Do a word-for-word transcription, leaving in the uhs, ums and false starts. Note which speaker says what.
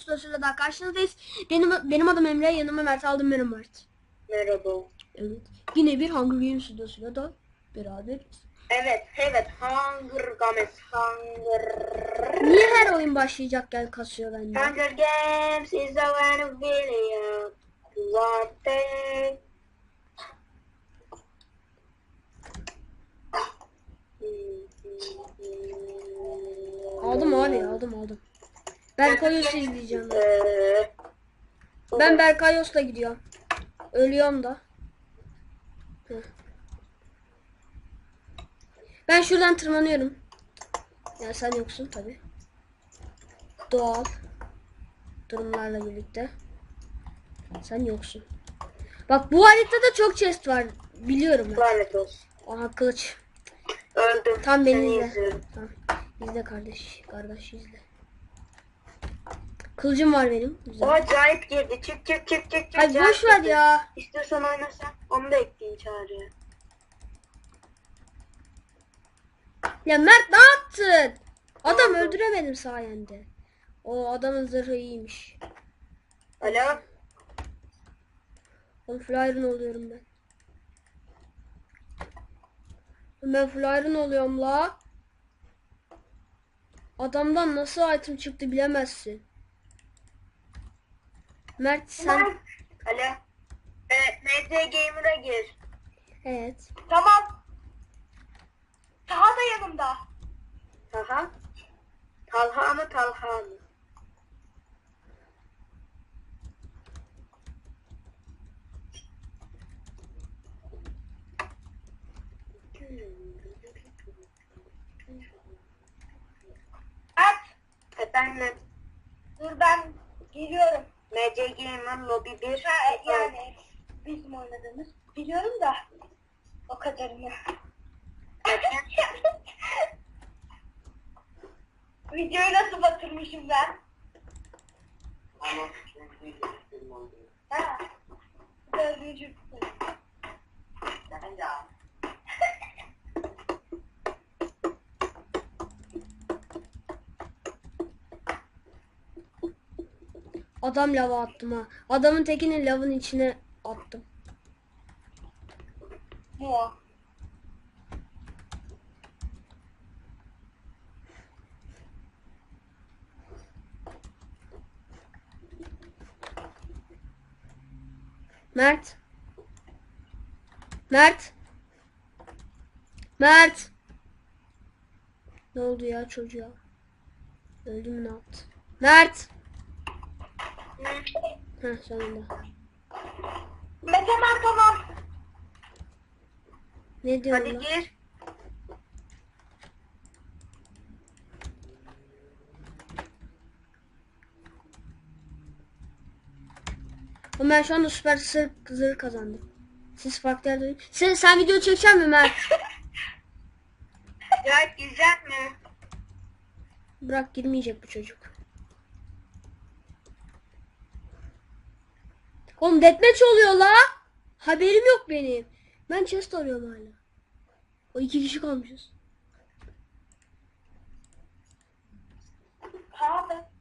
Speaker 1: videosuyla daha karşınızdayız. Benim benim adım Emre, yanıma Mert aldım, benim Mert.
Speaker 2: Merhaba.
Speaker 1: Evet. Yine bir Hunger Games videosuyla da beraberiz.
Speaker 2: Evet, evet. Hunger Games, Hunger.
Speaker 1: Niye her oyun başlayacakken kasıyor bende?
Speaker 2: Hunger Games is the one video. Zaten.
Speaker 1: Aldım abi, aldım aldım. Berkayos'u izleyeceğim ben.
Speaker 2: Ee,
Speaker 1: Ben Berkayos'la gidiyorum. Ölüyorum da. Heh. Ben şuradan tırmanıyorum. Ya sen yoksun tabi. Doğal durumlarla birlikte. Sen yoksun. Bak bu haritada çok chest var. Biliyorum ben.
Speaker 2: Lanet olsun.
Speaker 1: Aha kılıç.
Speaker 2: Öldüm.
Speaker 1: Tam beni
Speaker 2: Seni
Speaker 1: izle.
Speaker 2: izliyorum.
Speaker 1: Tamam. İzle kardeş. Kardeş izle. Kılıcım var benim.
Speaker 2: O
Speaker 1: Güzel.
Speaker 2: acayip girdi. Çık çık çık çık çık.
Speaker 1: Hadi
Speaker 2: Acayip
Speaker 1: boş ver
Speaker 2: girdi.
Speaker 1: ya.
Speaker 2: İstiyorsan oynasan. Onu da ekleyin çağrıya.
Speaker 1: Ya Mert ne yaptın? Adam
Speaker 2: Oldu.
Speaker 1: öldüremedim sayende. O adamın zırhı iyiymiş.
Speaker 2: Alo.
Speaker 1: Ben full iron oluyorum ben. Ben full iron oluyorum la. Adamdan nasıl item çıktı bilemezsin. Mert sen...
Speaker 2: Alo. Evet, M T Gamer'a gir.
Speaker 1: Evet.
Speaker 2: Tamam. Taha da yanımda. Taha? Talha mı Talha mı? At. Efendim. Dur ben geliyorum. M C Gamer Lobby bir. Ha, yani bizim oynadığımız. Biliyorum da o kadarını. Videoyu nasıl batırmışım ben? Ha. Dördüncü.
Speaker 1: Adam lava attım ha. Adamın tekini lavın içine attım.
Speaker 2: Mu.
Speaker 1: Mert. Mert. Mert. Ne oldu ya çocuğa? Öldü mü, ne yaptı? Mert. Heh sonunda.
Speaker 2: Mete ben tamam.
Speaker 1: Ne diyorsun
Speaker 2: Hadi
Speaker 1: lan?
Speaker 2: gir.
Speaker 1: Ama ben şu anda süper sır zırh kazandım. Siz farklı yerde... Sen, sen video çekecek misin Mert?
Speaker 2: Ya girecek mi?
Speaker 1: Bırak, girmeyecek bu çocuk. Oğlum deathmatch oluyor la. Haberim yok benim. Ben chest arıyorum hala. O iki kişi kalmışız.
Speaker 2: Abi.